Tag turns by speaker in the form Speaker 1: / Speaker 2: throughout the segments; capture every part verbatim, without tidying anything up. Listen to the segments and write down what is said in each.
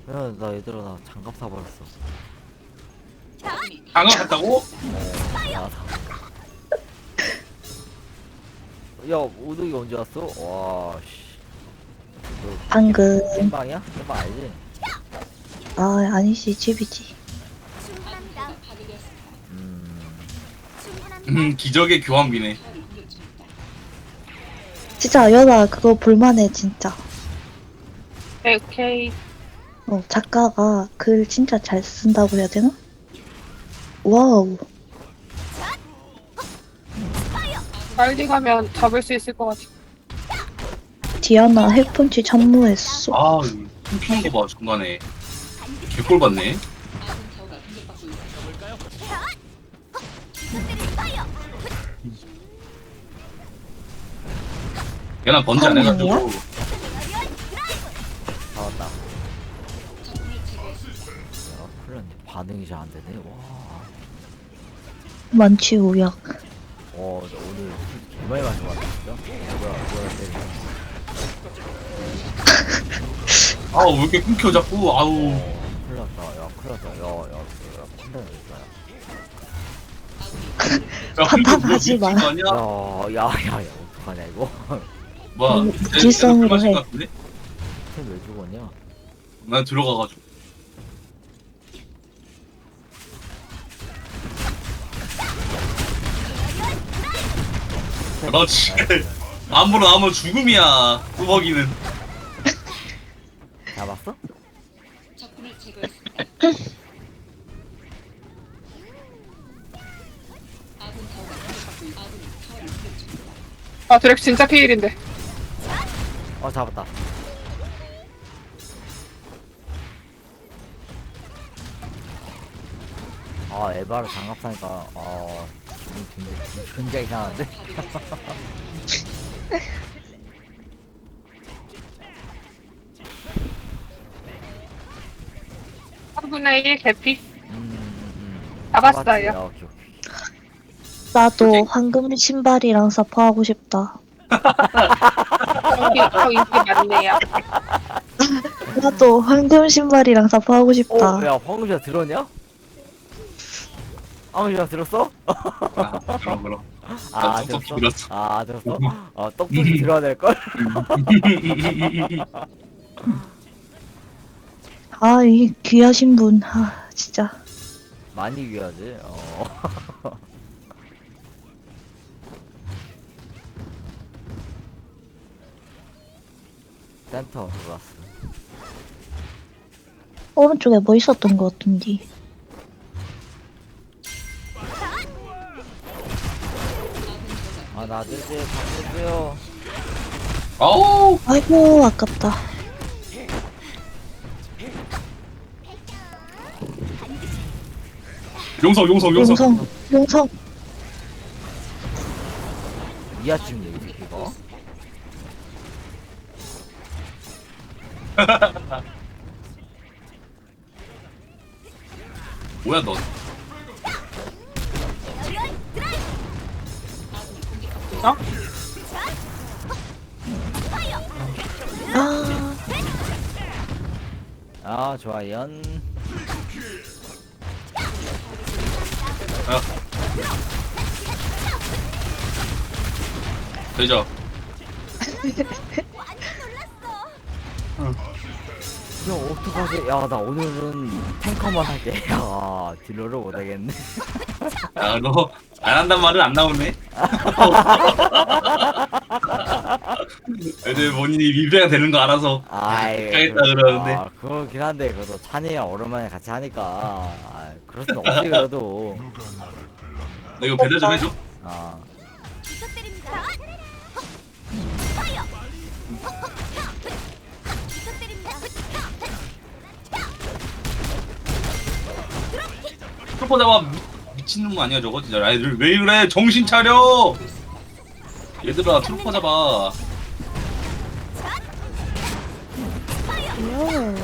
Speaker 1: 야, 나 얘들아 나 장갑 사버렸어.
Speaker 2: 장갑 갔다고?
Speaker 1: 어, 야, 사... 야, 오덕이 언제 왔어? 와, 씨. 너
Speaker 3: 방금.
Speaker 1: 땜방이야? 땜방 알지?
Speaker 3: 아, 아니지, 집이지.
Speaker 1: 음,
Speaker 2: 음 기적의 교환비네.
Speaker 3: 진짜, 연아, 그거 볼만해, 진짜.
Speaker 4: 네, 오케이.
Speaker 3: 어, 작가가 글 진짜 잘 쓴다고 해야 되나? 와우.
Speaker 4: 빨리 가면 잡을 수 있을 것 같아.
Speaker 3: 디아나 핵펀치 참무했어.
Speaker 2: 아 숨기는 거 봐 중간에. 개꼴 받네. 얘나 번지 안 해가지고.
Speaker 3: 한명이야?
Speaker 1: 잡았다. 야, 큰일 났네. 반응이 잘 안 되네. 와,
Speaker 3: 만취 우약.
Speaker 1: 어, 나 오늘 개많이 마신 것 같아, 진짜. 뭐야, 뭐야, 때리네.
Speaker 2: 아우 왜 이렇게 끊겨 자꾸. 아우.
Speaker 1: 어, 큰일 났다. 야, 큰일 났다. 야, 야, 야, 큰일 났다.
Speaker 2: 야
Speaker 3: 판단하지 마.
Speaker 2: 거 아니야?
Speaker 1: 야, 야, 야, 야, 어떡하냐, 이거.
Speaker 2: 뭐야?
Speaker 3: 음,
Speaker 2: 내-
Speaker 3: 무질성으로
Speaker 2: 내가 술 마신
Speaker 3: 해.
Speaker 2: 것 같은데?
Speaker 1: 쟤왜 죽었냐?
Speaker 2: 난 들어가가지고. 그렇지. 아무런 아무 죽음이야. 뚜벅이는.
Speaker 1: 잡았어?
Speaker 4: 아, 드랙 진짜 피일인데.
Speaker 1: 어, 잡았다. 아, 에바를 장갑 사니까, 어, 기분이 굉장히, 굉장히 이상한데?
Speaker 4: 삼분의 일 개피.
Speaker 1: 음, 음, 음.
Speaker 4: 잡았어요.
Speaker 1: 잡았지? 야, 오케이, 오케이.
Speaker 3: 나도 황금 신발이랑 사포하고 싶다.
Speaker 4: 여기 더 인기 많네요.
Speaker 3: 나도 황금 신발이랑 사포하고 싶다.
Speaker 1: 어, 야, 황금씨가 들었냐? 황금씨가 들었어?
Speaker 2: 아, 그럼 그럼.
Speaker 1: 아,
Speaker 2: 난 똑똑히
Speaker 1: 들었어?
Speaker 2: 들었어.
Speaker 1: 아, 들었어? 어, 똑똑히 들어야 될걸?
Speaker 3: 아, 이 귀하신 분. 아, 진짜.
Speaker 1: 많이 귀하지? 어. 센터 들어왔어.
Speaker 3: 오른쪽에 뭐 있었던 것 같은데.
Speaker 1: 아, 나 아저씨, 바꿔주세요.
Speaker 2: 아우.
Speaker 3: 아이고, 아깝다.
Speaker 2: 용성 용성 용성.
Speaker 3: 용성, 용성.
Speaker 1: 이하 찍네, 이 새끼가.
Speaker 2: 뭐야 넌?
Speaker 4: 어?
Speaker 3: 아,
Speaker 1: 아, 좋아, 연.
Speaker 2: 아. 되죠.
Speaker 1: 야, 어떡하지? 야, 나 오늘은 탱커만 할게. 야, 딜러를 못하겠네.
Speaker 2: 야 너 안 한단 말은 안 나오네. 애들 본인이 리뷰가 되는 거 알아서.
Speaker 1: 아이,
Speaker 2: 가겠다
Speaker 1: 그-
Speaker 2: 그러는데.
Speaker 1: 아, 그거긴 한데, 그래도 찬이랑 오랜만에 같이 하니까. 아, 그럴 순 없지, 그래도.
Speaker 2: 너 이거 배달 좀 해줘.
Speaker 1: 아,
Speaker 2: 트로퍼 잡아. 미- 미친놈 아니야 저거 진짜. 애들 왜 그래? 정신 차려. 얘들아 트로퍼 잡아.
Speaker 3: 귀여워.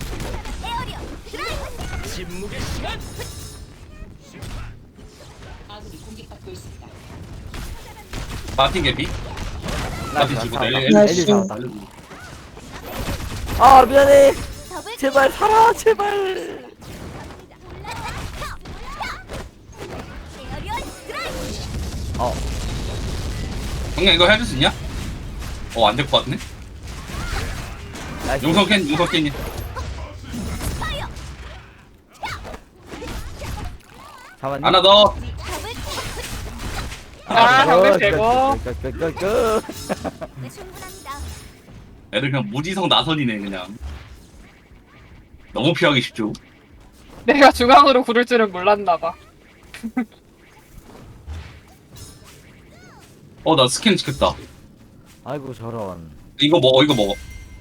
Speaker 2: 마틴 개피. 마틴 주고
Speaker 1: 잡았다.
Speaker 2: 내
Speaker 3: 나이스.
Speaker 1: 애들 잡았다. 아, 미안해. 제발 살아 제발. 어
Speaker 2: 형님 이거 해줄 수 있냐? 어 안 될 것 같네.
Speaker 1: 나이스.
Speaker 2: 용성 캔 용성 캔이.
Speaker 1: 잡았니?
Speaker 2: 하나 더.
Speaker 4: 아, 형들 되고.
Speaker 1: 끄끄끄끄.
Speaker 2: 애들 그냥 무지성 나선이네 그냥. 너무 피하기 쉽죠.
Speaker 4: 내가 중앙으로 구를 줄은 몰랐나봐.
Speaker 2: 어 나 스캔 찍혔다.
Speaker 1: 아이고 저런.
Speaker 2: 이거 먹어 이거 먹어.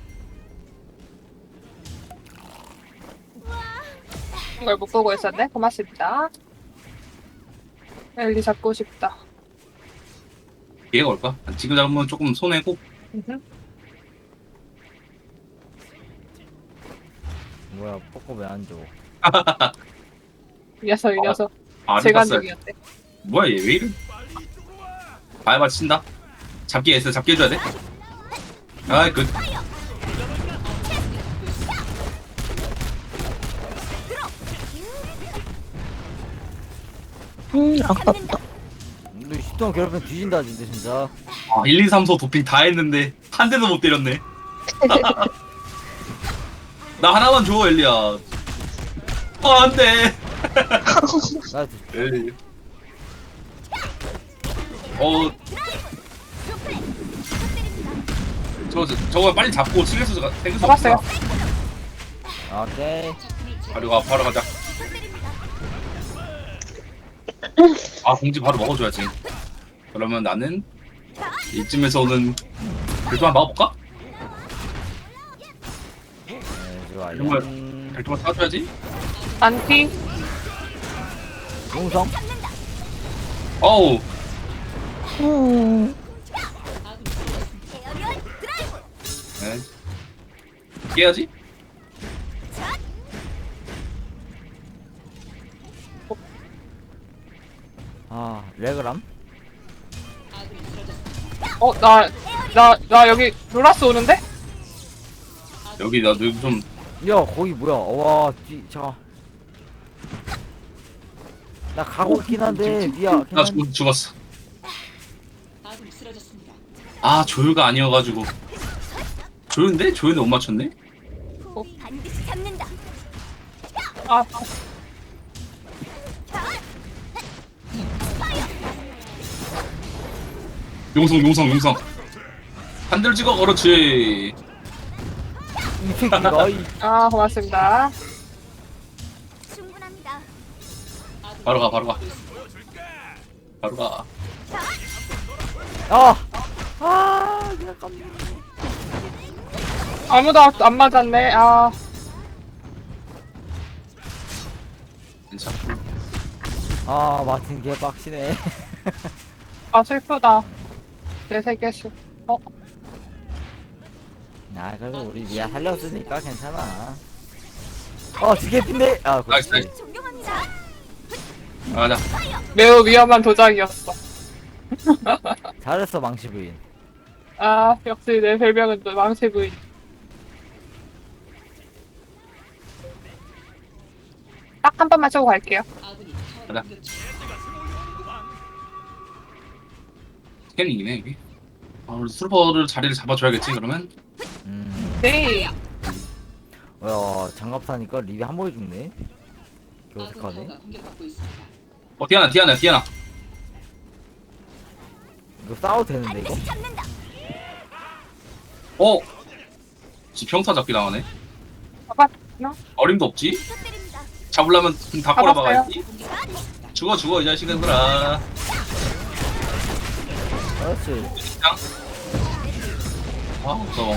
Speaker 4: 이걸 못 보고 있었네. 고맙습니다. 엘리 잡고 싶다.
Speaker 2: 얘가 올까? 지금 잡으면 조금 손해고.
Speaker 4: 음흠.
Speaker 1: 뭐야 뽀뽀 왜 안 줘?
Speaker 4: 이 녀석 이 녀석.
Speaker 2: 아 봤어요.
Speaker 4: 재간적이었대.
Speaker 2: 뭐야 얘 왜 이래? 바이바 친다. 잡기 했어 잡기 해줘야 돼. 아이 그
Speaker 3: 음, 아깝다.
Speaker 1: 너 시동 괴롭히면 뒤진다 진짜 진짜.
Speaker 2: 아, 일, 이, 삼, 사 도핑 다 했는데 한 대도 못 때렸네. 나 하나만 줘 엘리야. 어 안돼.
Speaker 1: 나
Speaker 2: 에이. 어. 저, 저 저거 빨리 잡고 칠레스 생길 수
Speaker 4: 잡았어요.
Speaker 2: 없어.
Speaker 1: 오케이.
Speaker 2: 바로 가 바로 가자. 아 공지 바로 먹어줘야지. 그러면 나는 이쯤에서는 별도만 막아볼까?
Speaker 1: 네, 좋아요.
Speaker 2: 정말.
Speaker 1: 음,
Speaker 2: 별도만 쏴줘야지.
Speaker 4: 안티.
Speaker 1: 용성.
Speaker 2: 어우
Speaker 3: 음,
Speaker 2: 네. 깨야지.
Speaker 1: 아 레그람.
Speaker 4: 어, 나, 나, 나 여기 로라스 오는데?
Speaker 2: 여기 나도 좀
Speaker 1: 야 거기 뭐야? 와 뒤, 잠깐. 나 가고 있긴 한데 미야.
Speaker 2: 나 죽, 죽었어. 아 조율가 아니어가지고 조율인데? 조율인데 못 맞췄네?
Speaker 5: 반드시 잡는다.
Speaker 4: 아,
Speaker 2: 용성 용성 용성 한 대를 찍어 그렇지.
Speaker 1: 이 새끼가 이.
Speaker 4: 아, 고맙습니다.
Speaker 5: 충분합니다.
Speaker 2: 바로 가 바로 가 바로 가.
Speaker 1: 아. 아 그냥 깜.
Speaker 4: 아무도 안 맞았네. 아,
Speaker 2: 괜찮아.
Speaker 1: 아 마틴 개 빡치네.
Speaker 4: 아, 슬프다. 내 세계수. 어,
Speaker 1: 아 그래도 우리 미야 살렸으니까 괜찮아. 어 지게핀데. 아
Speaker 2: 나이스,
Speaker 1: 그렇지.
Speaker 2: 나이스.
Speaker 5: 존경합니다.
Speaker 2: 가자.
Speaker 4: 매우 위험한 도장이었어.
Speaker 1: 잘했어 망치 부인.
Speaker 4: 아, 역시 내 별명은 또 망치 부인. 딱 한 번만 쳐고 갈게요.
Speaker 2: 가자. 스캐닝이네 이게. 아 우리 슬퍼를 자리를 잡아줘야겠지 그러면.
Speaker 1: 음.
Speaker 4: 네.
Speaker 1: 야 장갑 사니까 립이 한 번에 죽네. 교색하네.
Speaker 2: 어 디아나 디아나 디아나.
Speaker 1: 이거 싸워도 되는데 이거?
Speaker 5: 반드시 잡는다.
Speaker 2: 어. 지 평타 잡기 당하네.
Speaker 4: 잡았나?
Speaker 2: 어림도 없지.
Speaker 5: 부탁드립니다.
Speaker 2: 잡으려면 다
Speaker 4: 잡았어요.
Speaker 2: 꼬라박아야지. 죽어 죽어 이 자식들아.
Speaker 1: 그렇지.
Speaker 2: 그냥. 아 무서워.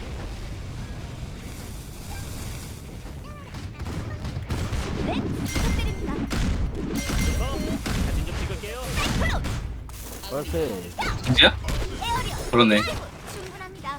Speaker 1: 그렇지.
Speaker 2: 진짜야? 그렇네.
Speaker 5: 충분합니다.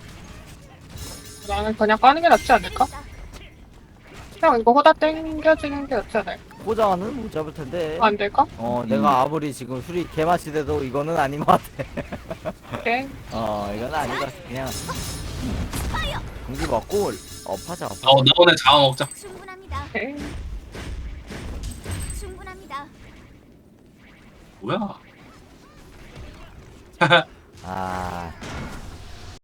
Speaker 4: 나는 그냥 까는 게 낫지 않을까? 그냥 이거 호다 땡겨지는 게 낫지 않을까?
Speaker 1: 포장은 못 잡을 텐데.
Speaker 4: 안 될까?
Speaker 1: 어 내가 아무리 지금 술이 개맛이 돼도 이거는 아닌 것 같아.
Speaker 4: 오케이.
Speaker 1: 어 이건 아닌 것 같아. 그냥 공기 먹고 어 파자 파자.
Speaker 2: 어 너네 잡아 먹자.
Speaker 5: 충분합니다.
Speaker 4: 오케이.
Speaker 5: 충분합니다.
Speaker 2: 뭐야?
Speaker 1: 아